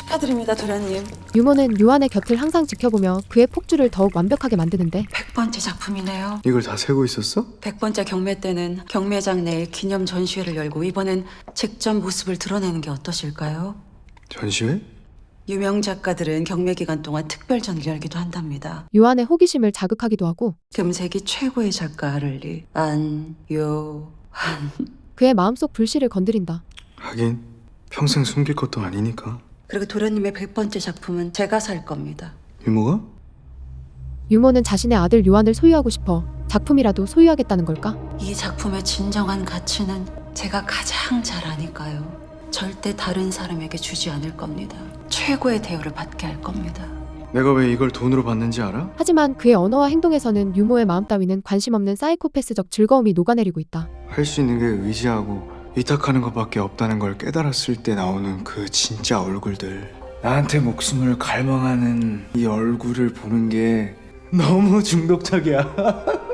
축하드립니다, 도련님. 유모는 요한의 곁을 항상 지켜보며 그의 폭주를 더욱 완벽하게 만드는데 100번째 작품이네요. 이걸 다 세고 있었어? 100번째 경매 때는 경매장 내에 기념 전시회를 열고 이번엔 직접 모습을 드러내는 게 어떠실까요? 전시회? 유명 작가들은 경매 기간 동안 특별 전기를 열기도 한답니다. 요한의 호기심을 자극하기도 하고 금세기 최고의 작가 하를리 안요한. 그의 마음속 불씨를 건드린다. 하긴 평생 숨길 것도 아니니까. 그리고 도련님의 100번째 작품은 제가 살 겁니다. 유모가? 유모는 자신의 아들 요한을 소유하고 싶어 작품이라도 소유하겠다는 걸까? 이 작품의 진정한 가치는 제가 가장 잘 아니까요. 절대 다른 사람에게 주지 않을 겁니다. 최고의 대우를 받게 할 겁니다. 내가 왜 이걸 돈으로 받는지 알아? 하지만 그의 언어와 행동에서는 유모의 마음 따위는 관심 없는 사이코패스적 즐거움이 녹아내리고 있다. 할 수 있는 게 의지하고 위탁하는 것밖에 없다는 걸 깨달았을 때 나오는 그 진짜 얼굴들. 나한테 목숨을 갈망하는 이 얼굴을 보는 게 너무 중독적이야.